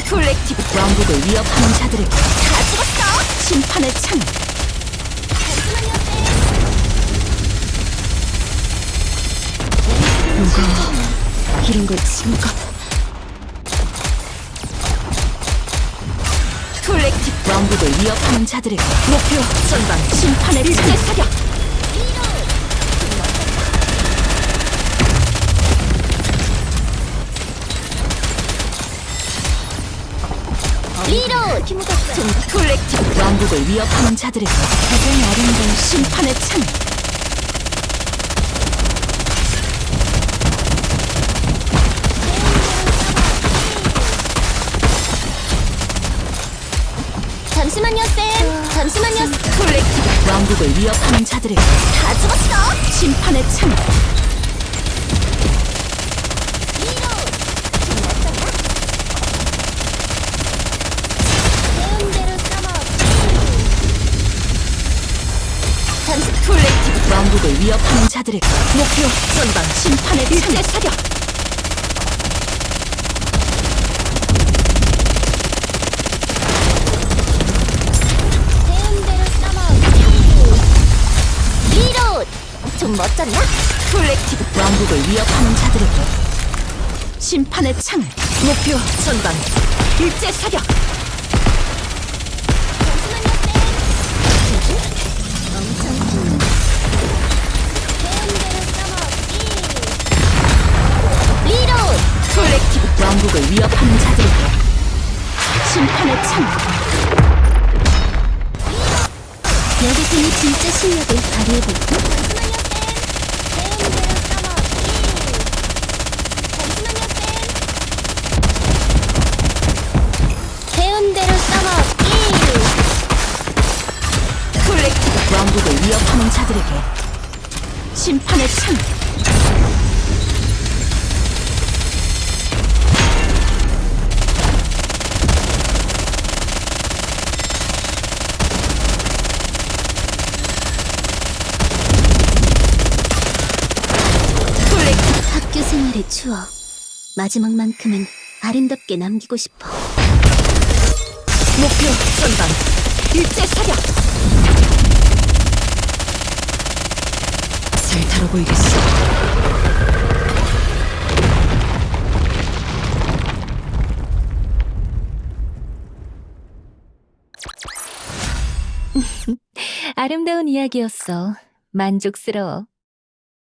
콜렉티브 왕국을 위협하는 자들에게 다 죽었어! 심판의 창! 누가 이런 걸 친가? 콜렉티브 왕국을 위협하는 자들에게 목표 전방 심판의 일제 사격! 리로! 좀 콜렉티브 왕국을 위협하는 자들에게 가장 아름다운 심판의 창! 잠시만요, 쌤! 잠시만요. 콜렉티브 왕국을 위협하는 자들에게 다 죽었어! 심판의 창! 리로! 배운 대로 써먹기. 잠시 콜렉티브 왕국을 위협하는 자들에게 목표 전방 심판의 일제 사격! 배운 대로 써먹기. 리로! 좀 멋졌나? 콜렉티브 왕국을 위협하는 자들에게 심판의 창! 목표 전방 일제 사격! 잠시만요, 쌤! 엄청 큰. 배운 대로 써먹기. 리로! 콜렉티브 왕국을 위협하는 자들에게 심판의 창! 여기서는 진짜 실력을 발휘해볼까? 잠시만요, 쌤! 배운 대로 써먹기. 잠시만요, 쌤! 배운 대로 써먹기. 콜렉티브 왕국을 위협하는 자들에게 심판의 창! 콜렉티브 학교 생활의 추억. 마지막만큼은 아름답게 남기고 싶어. 목표 전방 일제 사격! 잘 다뤄보이겠어. 아름다운 이야기였어. 만족스러워.